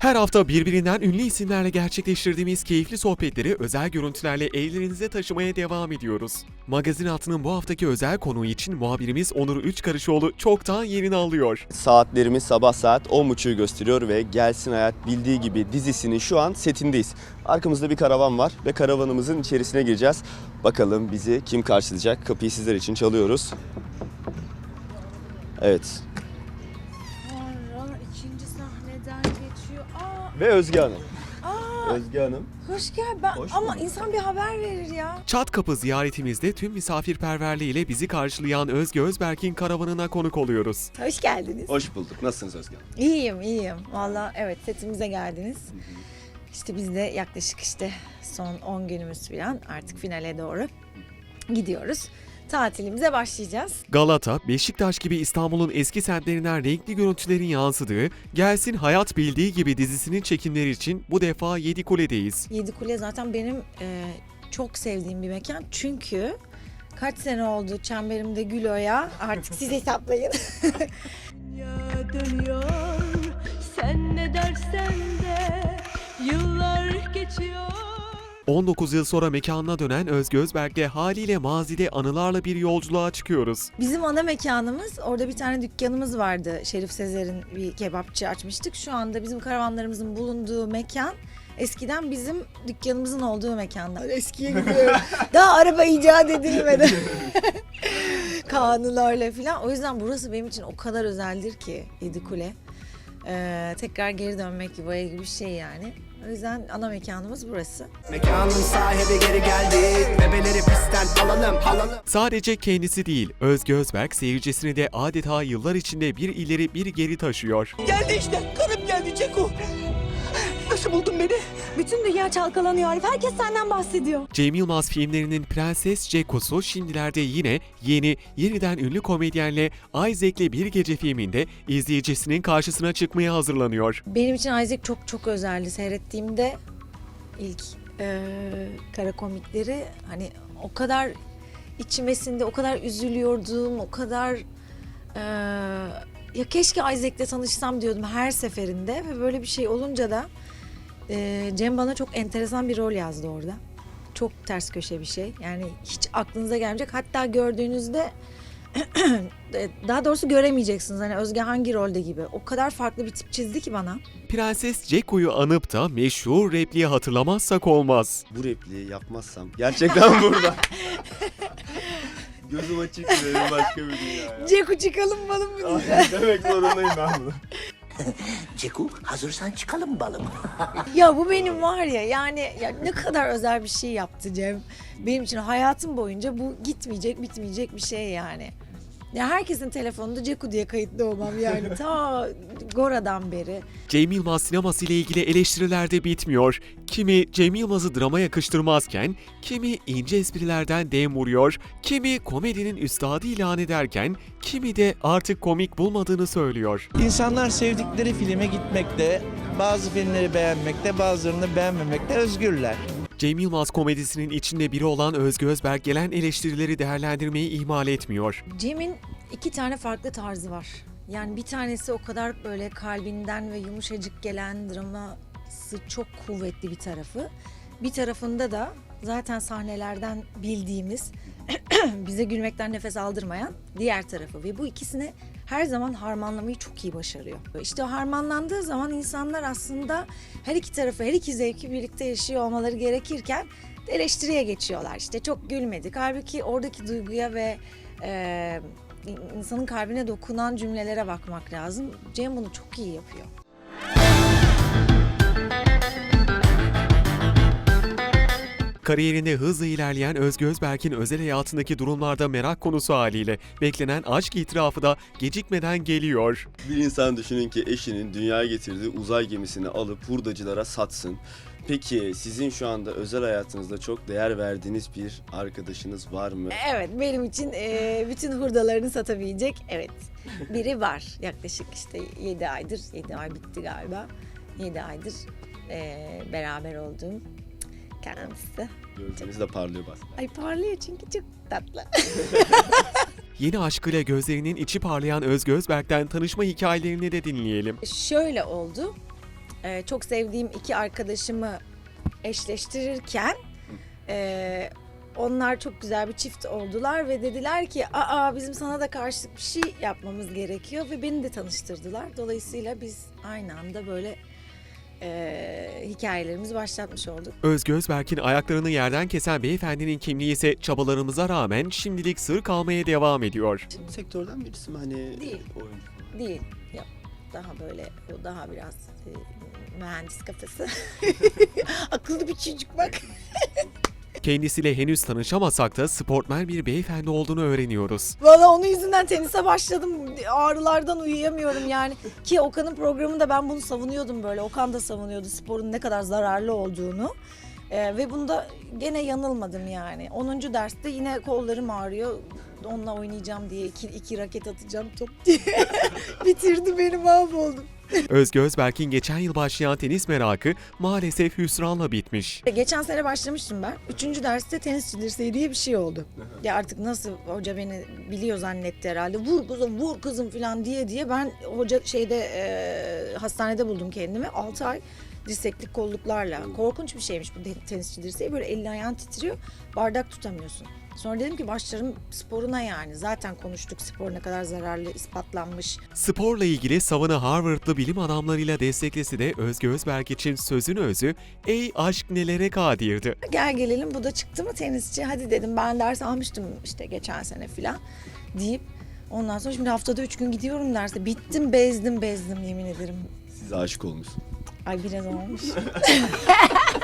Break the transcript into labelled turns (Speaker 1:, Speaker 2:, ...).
Speaker 1: Her hafta birbirinden ünlü isimlerle gerçekleştirdiğimiz keyifli sohbetleri özel görüntülerle evlerinize taşımaya devam ediyoruz. Magazin Altı'nın bu haftaki özel konuğu için muhabirimiz Onur Üçkarışoğlu çoktan yerini alıyor.
Speaker 2: Saatlerimiz sabah saat 10.30'u gösteriyor ve Gelsin Hayat Bildiği Gibi dizisinin şu an setindeyiz. Arkamızda bir karavan var ve karavanımızın içerisine gireceğiz. Bakalım bizi kim karşılayacak? Kapıyı sizler için çalıyoruz. Evet.
Speaker 3: İkinci sahneden geçiyor.
Speaker 2: Ve Özge Hanım.
Speaker 3: Aa,
Speaker 2: Özge Hanım.
Speaker 3: hoş gel.
Speaker 2: Hoş
Speaker 3: Ama
Speaker 2: bulduk.
Speaker 3: insan bir haber verir ya.
Speaker 1: Çat kapı ziyaretimizde tüm misafirperverliğiyle bizi karşılayan Özge Özberk'in karavanına konuk oluyoruz.
Speaker 3: Hoş geldiniz.
Speaker 2: Hoş bulduk. Nasılsınız Özge Hanım?
Speaker 3: İyiyim. Valla evet, setimize geldiniz. İşte biz de yaklaşık son 10 günümüz falan artık finale doğru gidiyoruz. Tatilimize başlayacağız.
Speaker 1: Galata, Beşiktaş gibi İstanbul'un eski semtlerinden renkli görüntülerin yansıdığı Gelsin Hayat Bildiği Gibi dizisinin çekimleri için bu defa Yedikule'deyiz.
Speaker 3: Yedikule zaten benim çok sevdiğim bir mekan. Çünkü kaç sene oldu çemberimde Gülo'ya, artık siz hesaplayın.
Speaker 4: Dünya dönüyor, sen ne dersen de yıllar geçiyor.
Speaker 1: 19 yıl sonra mekanına dönen Özge Özberk'le haliyle mazide anılarla bir yolculuğa çıkıyoruz.
Speaker 3: Bizim ana mekanımız, orada bir tane dükkanımız vardı. Şerif Sezer'in bir kebapçı açmıştık. Şu anda bizim karavanlarımızın bulunduğu mekan eskiden bizim dükkanımızın olduğu mekanlar. Eskiye gidiyorum. Daha araba icat edilmedi. Kanunlarla falan. O yüzden burası benim için o kadar özeldir ki Yedikule. Tekrar geri dönmek yuvaya gibi bir şey yani. O yüzden ana mekanımız burası.
Speaker 5: Mekanın sahibi geri geldi. Bebeleri pistten alalım.
Speaker 1: Sadece kendisi değil, Özge Özberk seyircisini de adeta yıllar içinde bir ileri bir geri taşıyor.
Speaker 5: Geldi işte. Karım geldi Ceko. Nasıl buldun beni?
Speaker 4: Bütün dünya çalkalanıyor Arif. Herkes senden bahsediyor.
Speaker 1: Cem Yılmaz filmlerinin Prenses Ceko'su şimdilerde yine yeniden ünlü komedyenle Isaac'le Bir Gece filminde izleyicisinin karşısına çıkmaya hazırlanıyor.
Speaker 3: Benim için Isaac çok çok özeldi. Seyrettiğimde ilk kara komikleri hani o kadar içime sindi, o kadar üzülüyordum, o kadar ya keşke Isaac'le tanışsam diyordum her seferinde ve böyle bir şey olunca da Cem bana çok enteresan bir rol yazdı orada. Çok ters köşe bir şey. Yani hiç aklınıza gelmeyecek. Hatta gördüğünüzde daha doğrusu göremeyeceksiniz. Hani Özge hangi rolde gibi. O kadar farklı bir tip çizdi ki bana.
Speaker 1: Prenses Ceko'yu anıp da meşhur repliği hatırlamazsak olmaz.
Speaker 2: Bu repliği yapmazsam gerçekten burada. Gözüm açık benim başka bir dünya ya.
Speaker 3: Ceku çıkalım balım mı diyeceğim.
Speaker 2: Ay, demek zorundayım ben bunu.
Speaker 5: Ceko hazırsan çıkalım balım.
Speaker 3: Ya bu benim var ya, yani ya ne kadar özel bir şey yaptı Cem. Benim için hayatım boyunca bu gitmeyecek, bitmeyecek bir şey yani. Ya herkesin telefonunda Ceku diye kayıtlı olmam yani ta Gora'dan beri.
Speaker 1: Cem Yılmaz sineması ile ilgili eleştiriler de bitmiyor. Kimi Cem Yılmaz'ı drama yakıştırmazken, kimi ince esprilerden dem vuruyor, kimi komedinin üstadı ilan ederken, kimi de artık komik bulmadığını söylüyor.
Speaker 6: İnsanlar sevdikleri filme gitmekte, bazı filmleri beğenmekte, bazılarını beğenmemekte özgürler.
Speaker 1: Cem Yılmaz komedisinin içinde biri olan Özge Özberk gelen eleştirileri değerlendirmeyi ihmal etmiyor.
Speaker 3: Cem'in 2 tane farklı tarzı var. Yani bir tanesi o kadar böyle kalbinden ve yumuşacık gelen, draması çok kuvvetli bir tarafı. Bir tarafında da zaten sahnelerden bildiğimiz, bize gülmekten nefes aldırmayan diğer tarafı. Ve bu ikisini her zaman harmanlamayı çok iyi başarıyor. İşte o harmanlandığı zaman insanlar aslında her iki tarafı, her iki zevki birlikte yaşıyor olmaları gerekirken eleştiriye geçiyorlar. İşte çok gülmedik. Halbuki oradaki duyguya ve insanın kalbine dokunan cümlelere bakmak lazım. Cem bunu çok iyi yapıyor.
Speaker 1: Kariyerinde hızla ilerleyen Özge Özberk'in özel hayatındaki durumlarda merak konusu haliyle beklenen aşk itirafı da gecikmeden geliyor.
Speaker 2: Bir insan düşünün ki eşinin dünyaya getirdiği uzay gemisini alıp hurdacılara satsın. Peki sizin şu anda özel hayatınızda çok değer verdiğiniz bir arkadaşınız var mı?
Speaker 3: Evet, benim için bütün hurdalarını satabilecek biri var. Yaklaşık 7 aydır, 7 ay bitti galiba. 7 aydır beraber olduğum kendisi.
Speaker 2: Gözleriniz de parlıyor bazen.
Speaker 3: Ay parlıyor çünkü çok tatlı.
Speaker 1: Yeni aşkıyla gözlerinin içi parlayan Özge Özberk'ten tanışma hikayelerini de dinleyelim.
Speaker 3: Şöyle oldu. çok sevdiğim iki arkadaşımı eşleştirirken onlar çok güzel bir çift oldular ve dediler ki bizim sana da karşılık bir şey yapmamız gerekiyor ve beni de tanıştırdılar. Dolayısıyla biz aynı anda böyle hikayelerimizi başlatmış olduk.
Speaker 1: Özge Özberk'in ayaklarını yerden kesen beyefendinin kimliği ise çabalarımıza rağmen şimdilik sır kalmaya devam ediyor.
Speaker 2: Sektörden birisi mi hani
Speaker 3: Değil.
Speaker 2: oyuncu?
Speaker 3: Değil. Yok. Daha böyle, o daha biraz mühendis kafası. Akıllı bir çocuk bak.
Speaker 1: Kendisiyle henüz tanışamasak da sportmen bir beyefendi olduğunu öğreniyoruz.
Speaker 3: Valla onun yüzünden tenise başladım. Ağrılardan uyuyamıyorum yani. Ki Okan'ın programında ben bunu savunuyordum böyle. Okan da savunuyordu sporun ne kadar zararlı olduğunu. Ve bunda gene yanılmadım yani. 10. derste yine kollarım ağrıyor. Onunla oynayacağım diye iki raket atacağım top diye. Bitirdi beni, mahvoldum.
Speaker 1: Özge Özberk'in geçen yıl başlayan tenis merakı maalesef hüsranla bitmiş.
Speaker 3: Geçen sene başlamıştım ben. 3. derste tenisçi dirseği diye bir şey oldu. Ya artık nasıl hoca beni biliyor zannetti herhalde. Vur kızım falan diye ben hoca hastanede buldum kendimi. 6 ay dirseklik kolluklarla. Korkunç bir şeymiş bu tenisçi dirseği. Böyle elin ayağın titriyor. Bardak tutamıyorsun. Sonra dedim ki başlarım sporuna yani. Zaten konuştuk spor ne kadar zararlı, ispatlanmış.
Speaker 1: Sporla ilgili savını Harvard'lı bilim adamlarıyla desteklesi de Özge Özberk için sözün özü "Ey aşk nelere kadirdi."
Speaker 3: Gel gelelim bu da çıktı mı tenisçi? Hadi dedim, ben ders almıştım işte geçen sene falan deyip ondan sonra şimdi haftada 3 gün gidiyorum derse. Bittim, bezdim yemin ederim.
Speaker 2: Size aşık olmuş.
Speaker 3: Ay biraz olmuş.